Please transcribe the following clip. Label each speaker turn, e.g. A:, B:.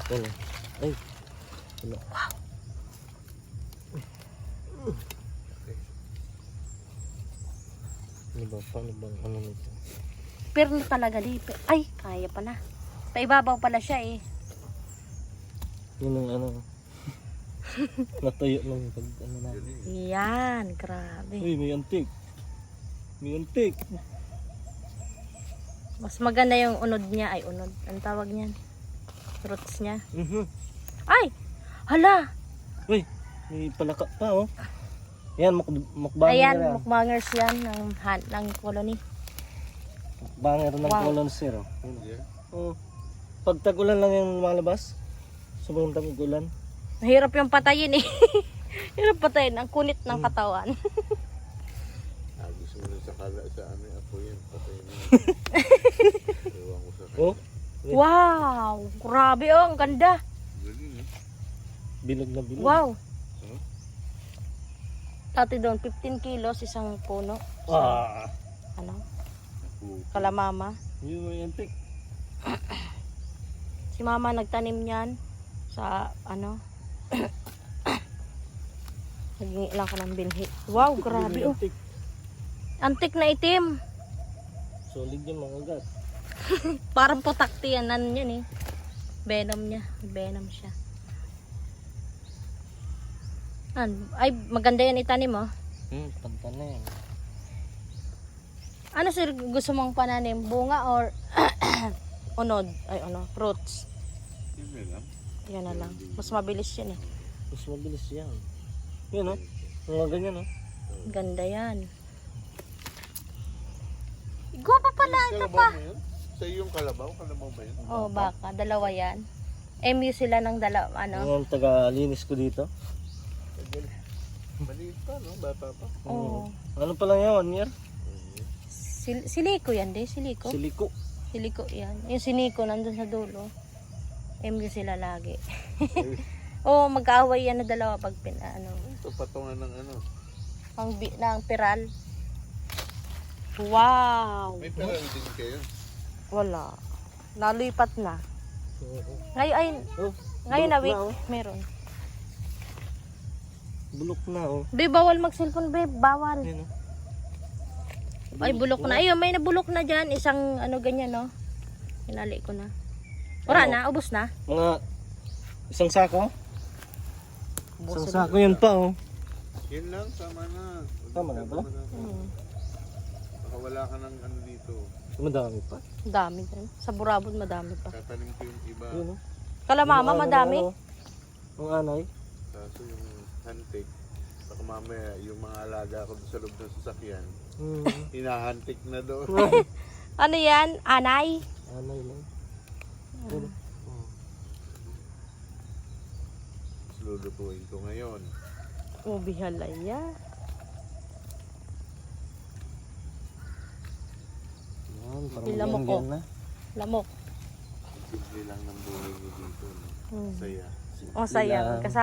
A: Ano? Ay. Ano?
B: Wow.
A: Ano ba? Paano bang ano nito?
B: Pero na talaga di. Ay, kaya pala. Paibabaw pala siya eh.
A: Yun ang ano. Natuyo ng pag ano na.
B: Yan, grabe.
A: Uy, may antik. May antik.
B: Mas maganda yung unod niya. Ay, unod. Ang tawag niyan. Roots niya. Ay! Hala!
A: Uy, may palaka pa oh. Yan, mukbanger
B: Ayan,
A: na.
B: mukbangers yan ng colony.
A: Mukbanger ng
B: Wow.
A: colon zero. Oh. Pag tag-ulan lang yung lumalabas. Sobrang tag-ulan.
B: Mahirap yung patayin eh. Hirap patayin. Ang kunit ng katawan.
C: Gusto mo na sa ano yung apo yan. Patay na. Ewan ko sa kanya.
A: Oh,
B: Wow! Grabe oh, ang ganda.
C: Galing eh.
A: bilog na bilog.
B: Wow!
C: Huh?
B: Dati doon, 15 kilos isang puno.
A: Ah,
B: Ano?
C: Puto.
B: Kalamama.
A: yun may antik.
B: Si mama nagtanim niyan sa ano. Naging lang ka ng bilhi. Wow, grabe oh.
A: Antik.
B: Antik na itim.
A: Solid yung mga gat.
B: Parang putakti yan. Ano yun eh. Venom niya. Venom siya. Ay, maganda yan itanim oh.
A: Panta na yan.
B: Ano sir gusto mong pananim? Bunga or unod? Ay ano, fruits.
C: Yun na lang.
B: Yan na lang. Mas mabilis yan eh.
A: Mas mabilis yan. Yun oh. Mga ganyan oh.
B: Ganda yan. Guwapa pala ito
C: Kalabaw
B: pa.
C: mo yun? Sa yung kalabaw? Kalabaw ba yun?
B: Oh, baka. Dalawa yan. MU sila ng dalawa. Ano?
A: Yung taga-linis ko dito.
C: Maliit pa, no? Bata pa.
B: Oh.
A: Ano pa lang yan? 1 year?
B: Siliko yan din. Siliko.
A: Siliko.
B: Siliko yan. Yung siniko nandun sa dulo. MU sila lagi. Oh, mag-aaway yan na dalawa pag ano.
C: Ito patungan ng ano.
B: Ng piral. Wow!
C: May peral din kayo.
B: Wala. Nalipat na. Ngayon ay
A: Oh,
B: ngayon na
A: bulok
B: week
A: oh.
B: meron.
A: Bulok na oh.
B: Be, bawal mag-cellphone, be. Bawal.
A: Ayun oh.
B: Ay, bulok na. Ayun, may nabulok na dyan. Isang ano ganyan, no? Hinali ko na. Wala
A: Ano?
B: na, ubos na.
A: Mga isang sako?
B: Ubos
A: Isang
B: na.
A: sako yan pa oh.
C: Yun lang, tama na.
A: Tama na ba?
C: Baka wala ka ng ano dito.
A: Madami pa.
B: Dami dyan. Sa Burabod, madami pa.
C: Tatanim ko yung iba.
A: Yun oh.
B: Kalamama,
A: Yung ano,
B: madami.
A: ano, Ang anay.
C: Kaso yung hantik. Baka mamaya yung mga alaga ko sa loob ng sasakyan. Hinahantik na doon.
B: Ano yan? Anay?
A: Anay lang. Yun, oh.
C: Lulutuin ko ngayon.
B: Oh, bihalaya.
A: Yan, parang
B: Ilamok,
A: maganda
B: oh.
A: na.
B: Lamok.
C: Simple lang ng buhay niyo dito. No?
B: Hmm.
C: Saya.
B: Oh, sayang.
A: Bilang.
B: Kasama